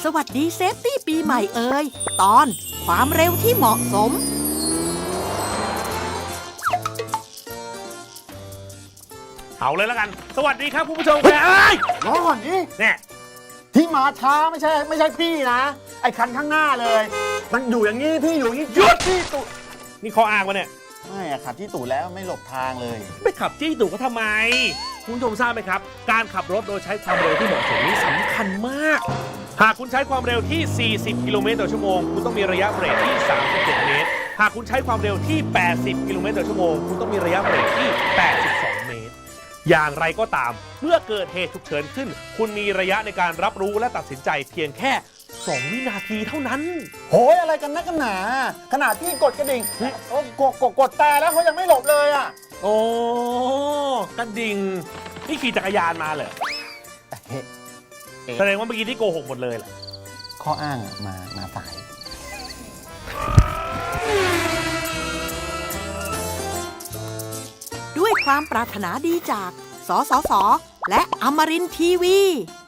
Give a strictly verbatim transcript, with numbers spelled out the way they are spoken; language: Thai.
สวัสดีเซฟตี้ปีใหม่เอ่ยตอนความเร็วที่เหมาะสมเอาเลยแล้วกันสวัสดีครับคุณผู้ชมครับเอ้ยรอก่อนดิเนี่ยที่มาช้าไม่ใช่ไม่ใช่พี่นะไอ้คันข้างหน้าเลย มันอยู่อย่างนี้พี่อยู่อย่างนี้หยุดที่ตูดนี่ข้ออ้างวะเนี่ยไม่อะขับที่ตูดแล้วไม่หลบทางเลยไม่ขับจี้ตู่ก็ทำไมคุณผู้ชมทราบไหมครับการขับรถโดยใช้ความเร็วที่เหมาะสมนี่สำคัญมากหากคุณใช้ความเร็วที่สี่สิบกิโลเมตรต่อชั่วโมงคุณต้องมีระยะเบรกที่สามสิบเจ็ดเมตรหากคุณใช้ความเร็วที่แปดสิบกิโลเมตรต่อชั่วโมงคุณต้องมีระยะเบรกที่แปดสิบสองเมตรอย่างไรก็ตามเมื่อเกิดเหตุฉุกเฉินขึ้นคุณมีระยะในการรับรู้และตัดสินใจเพียงแค่สองวินาทีเท่านั้นโหยอะไรกันนักกันหนาขนาดพี่กดกระดิ่งโอ้กดกดกดแต่แล้วเขายังไม่หลบเลยอ่ะโอ้กระดิ่งนี่ขี่จักรยานมาเหรอเฮ้แสดงว่าเมื่อกี้ที่โกหกหมดเลยแหละข้ออ้างอะมามาสายด้วยความปรารถนาดีจาก สสส และอมรินทร์ทีวี